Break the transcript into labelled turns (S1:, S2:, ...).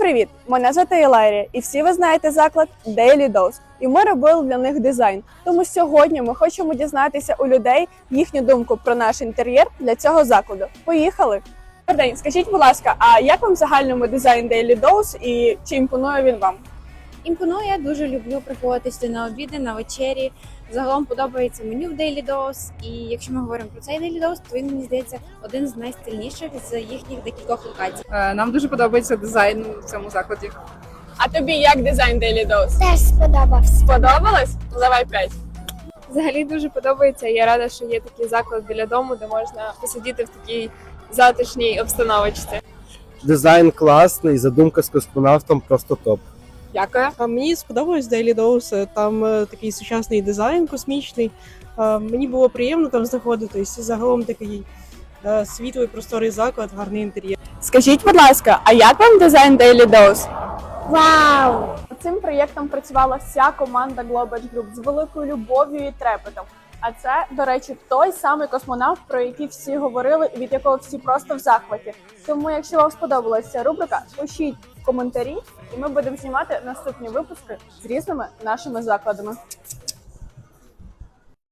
S1: привіт! Мене звати Іларія, і всі ви знаєте заклад Daily Dose. І ми робили для них дизайн. Тому сьогодні ми хочемо дізнатися у людей їхню думку про наш інтер'єр для цього закладу. Поїхали! Добрий день, скажіть, будь ласка, а як вам в загальному дизайн Daily Dose і чи імпонує він вам?
S2: Імпонує, дуже люблю приходити сюди на обіди, на вечері. Загалом подобається меню в Daily Dose. І якщо ми говоримо про цей Daily Dose, то він, мені здається, один з найстильніших з їхніх декількох локацій.
S3: Нам дуже подобається дизайн в цьому закладі.
S1: А тобі як дизайн Daily Dose?
S4: Теж сподобався.
S1: Сподобалось? Давай 5.
S5: Взагалі дуже подобається. Я рада, що є такий заклад біля дому, де можна посидіти в такій затишній обстановочці.
S6: Дизайн класний, задумка з космонавтом просто топ.
S1: Дякую.
S7: А мені сподобалось Daily Dose, там такий сучасний дизайн космічний. Мені було приємно там знаходитись. Загалом такий світлий, просторий заклад, гарний інтер'єр.
S1: Скажіть, будь ласка, а як вам дизайн Daily Dose?
S4: Вау!
S1: Над цим проєктом працювала вся команда Global Group з великою любов'ю і трепетом. А це, до речі, той самий космонавт, про який всі говорили і від якого всі просто в захваті. Тому, якщо вам сподобалася ця рубрика, пишіть в коментарі, і ми будемо знімати наступні випуски з різними нашими закладами.